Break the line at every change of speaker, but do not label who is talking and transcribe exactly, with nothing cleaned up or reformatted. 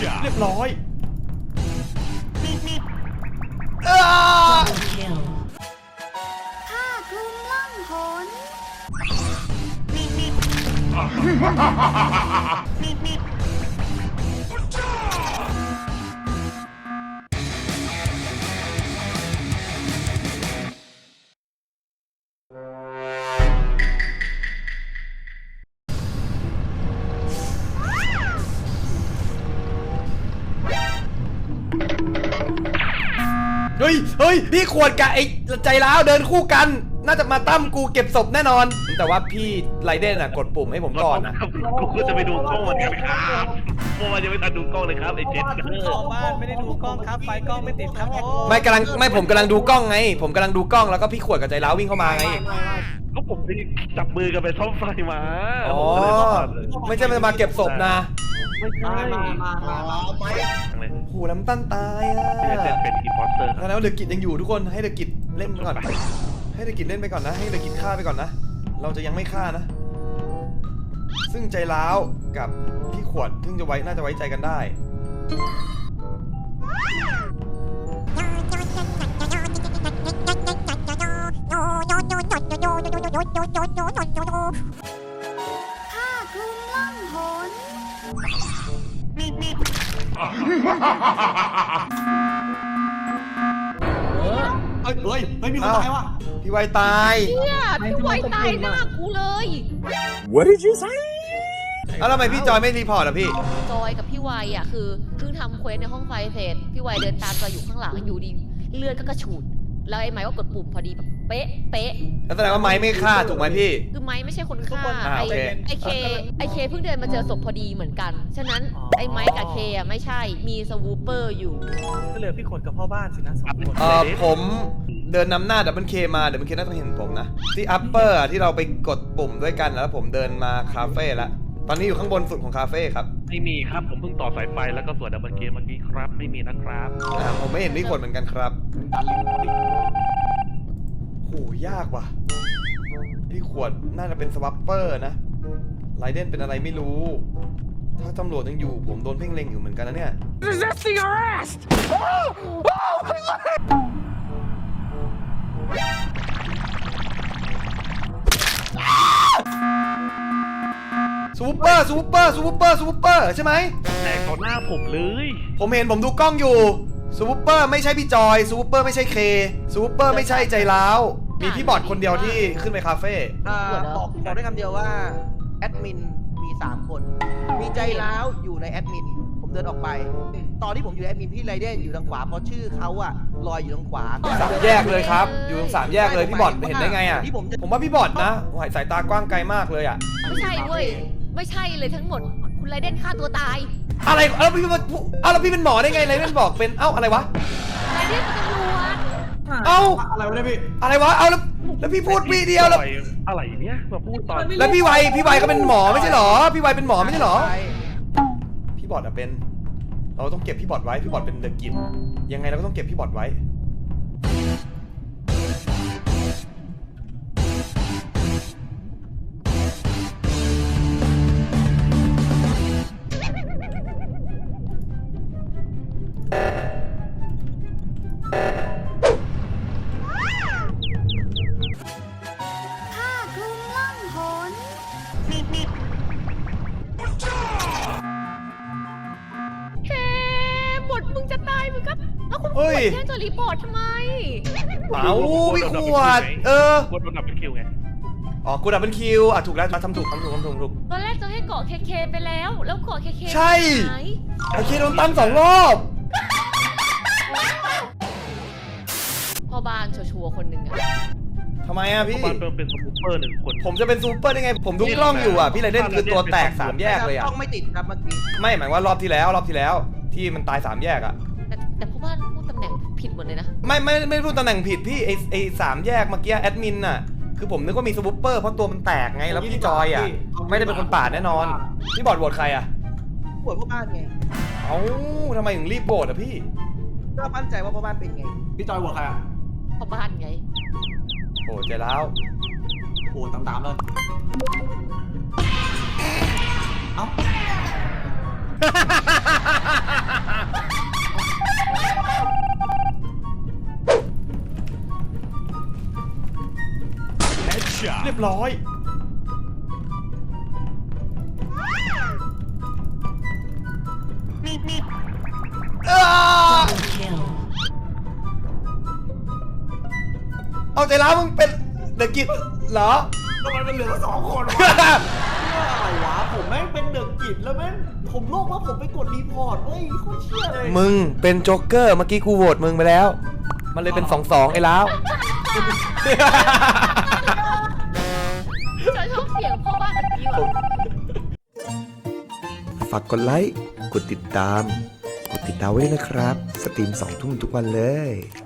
เรียบร้อยเออ
ข้าคลุมล่องหน
เฮ้ยเฮ้ยพี่ขวดกับไอ้ใจร้าวเดินคู่กันน่าจะมาตั้มกูเก็บศพแน่นอนแต่ว่าพี่ไรเดนอ่ะกดปุ่มให้ผมก่อนนะ
กูก็จะไปดูกล้องเหมือนกันครับเมื่อวานยังไม่ทันดูกล้องเลยครับไอ้เจ็ด
เข้าบ้านไม่ได้ดูกล้องครับไฟกล้องไม่ติดครับผม
ไม่กำลังไม่ผมกำลังดูกล้องไงผมกำลังดูกล้องแล้วก็พี่ขวดกับใจร้าววิ่งเข้ามาไง
ก็ผมไปจับมือกันไปซ่อมไฟมา
อ๋อไม่ใช่มาเก็บศพนะ
ไม่ใช่
โหน้ำตั้นตายอ่ะ
พี่เจ็ดเป็นอีพอสเตอร์
แล้วเดอะกิจยังอยู่ทุกคนให้เดอะกิจเล่นไปก่อนให้เดอะกิจเล่นไปก่อนนะให้เดอะกิจฆ่าไปก่อนนะเราจะยังไม่ฆ่านะซึ่งใจร้าวกับพี่ขวดซึ่งจะไว้น่าจะไว้ใจกันได้
ข้าคลุมล่องหน
เฮ้ยเฮ้ยเฮ้ยมีคนตายว่ะ
พี่ไวตาย
เนี่ยพี่ไวตายหน้ากูเลย
What did you say
แล้วทำไมพี่จอยไม่รีพอร์ตอ่ะพี่
จอยกับพี่ไวอ่ะคือเพิ่งทำเควสในห้องไฟเสร็จพี่ไวเดินตามจอยอยู่ข้างหลังอยู่ดีเลือดก็กระฉูดแล้วไอ้ไม้ก็กดปุ่มพอดีแบบเป๊ะเป๊ะ
แล้วแสดงว่าไม้ไม่ฆ่าถูกไหมพี่
คือไม้ไม่ใช่คนฆ่า
อ่า
ไอ
โอเค
ไอเคไอเคเพิ่งเดินมาเจอศพพอดีเหมือนกันฉะนั้นไอ้ไม้กับเคอ่ะไม่ใช่มีสวูปเปอร์อยู่
ก็เหลือพี่ขวดกับพ่อบ้านสินะสองคน
เอ่อผมเดินนำหน้าดับเบิลเคมาดับเบิลเคน่าจะเห็นผมนะที่อัปเปอร์ที่เราไปกดปุ่มด้วยกันแล้วผมเดินมาคาเฟ่แล้วตอนนี้อยู่ข้างบนสุดของคาเฟ่ครับ
ไม่มีครับผมเพิ่งต่อสายไฟแล้วก็สวดดับเบิลเกมเมื่อกี้ครับไม่มีนะครับ
อ่าผมไม่เห็นพี่ขวดเหมือนกันครับโหยากว่ะพี่ขวดน่าจะเป็นสวัปเปอร์นะไรเดนเป็นอะไรไม่รู้ ถ้าตำรวจยังอยู่ผมโดนเพ่งเล็งอยู่เหมือนกันนะเนี่ย
Resisting arrest
ซูเปอร์ซูเปอร์ซูเปอร์ซูเปอร์ใช่ไหม
แตกต่อหน้าผมเลย
ผมเห็นผมดูกล้องอยู่ซูเปอร์ไม่ใช่พี่จอยซูเปอร์ไม่ใช่เคซูเปอร์ไม่ใช่ใจร้าวมีพี่บอดคนเดียวที่ขึ้นไปคาเฟ่
อ่าบอกบอกได้คำเดียวว่าแอดมินมีสามคน มีใจร้าวอยู่ในแอดมินผมเดินออกไป ตอนที่ผมอยู่ในแอดมินพี่ไรเดนอยู่ทางขวาเพราะชื่อเขาอะลอยอยู่ทางขวา
สามแยกเลยครับอยู่ตรงสามแยกเลยพี่บอดเห็นได้ไงอ่ะ
ที่ผมจะ
ผมว่าพี่บอดนะสายตากว้างไกลมากเลยอ่ะ
ไม่ใช่เว้ยไม่ใช่เลยทั้งหมดคุณไรเดนฆ่าตัวตาย
อะไรเอ้าพี่เอ้าแล้วพี่เป็นหมอได้ไงไรเดนบอกเป็นเอ้าอะไรวะ
ไรเดนเป็นตำรวจ
เอ้า
อะไรวะเนี่ยพี่
อะไรวะเอาแล้วแล้วพี่พูดวิเดียวแล้ว
อะไรเนี่ยมาพูดตอน
แล้วพี่ไวพี่ไวก็เป็นหมอไม่ใช่หรอพี่ไวเป็นหมอไม่ใช่หรอพี่บอดอะเป็นเราต้องเก็บพี่บอดไว้พี่บอดเป็นเดอะกินยังไงเราก็ต้องเก็บพี่บอดไว้
ข้าคลุมล่องหน
เฮ้บทมึงจะตายมึงก็แล้วคุณข
เฮ้
วย ดแค่จะรีพอร์ตทำไม
เอาพี่ขวดเออ
กดโดนดับเป็นคิวไง
อ๋อกูดับเป็นคิวอ่ะถูกแล้วทำถูกทำถูกทำถูกถูก
ตอนแรกจะให้เกาะเคเคไปแล้ว แล้วเกาะเคเค
ใช่
หาย
ไอเคโดนตั้งสองรอบ
พ่อบ้านชัวร์ๆคนหนึ่งอะ
ทำไมอ่ะพี่
บ้านเพิ่มเป็นสมูเปอร์หนึ่งคน
ผมจะเป็นซูเปอร์ได้ไง ผมดูกล้องอยู่อ่ะ พี่ไรเดนคือตัวแตกสามแยกเลยอ่ะ
ต้องไม่ติดครับเมื่อกี้
ไม่หมายว่ารอบที่แล้วรอบที่แล้ว ที่มันตายสามแยกอ่ะ
แต่แต่พ่อบ้านพูดตำแหน่งผิดหมดเลยนะ
ไม่ไม่ไม่พูดตำแหน่งผิดพี่ไอไอสามแยกเมื่อกี้แอดมินน่ะ คือผมนึกว่ามีซูเปอร์เพราะตัวมันแตกไง แล้วพี่จอยอ่ะ ไม่ได้เป็นคนปาดแน่นอน พี่บอดโหวตใครอ่ะ
ปวดพ่อบ้านไง
เอ้าทำไมถึงรีบโหวตอ่ะพี่
ก็มั่นใจว่าพ่อบ้านเป็นไง
พี่จอยโหวตใครอ่ะ
พ่อบ้านไง
โอ้ใจแล้ว
โหวตตามๆเลย เอ้า
ร้อยอ้าเอาใจร้าวมึงเป็นเดอะกิจเหรอ
ทำไมมันเหลือสองคนวะอะไรวะผมแม่งเป็นเดือดกิจแล้วแม่งผมโลกว่าผมไปกดรีพอร์ตเว้ยโคตรเชี่ยเลย
มึงเป็นโจ๊กเกอร์เมื่อกี้กูโหวตมึงไปแล้ว มันเลยเป็นสองสองไอ้ล้าว
ฉันชอบเสียงพ่อบ้านเมื่อกี้ว่ะ
ฝากกดไลค์ กดติดตาม กดติดดาวไว้ด้วยนะครับ สตรีมสองทุ่มทุกวันเลย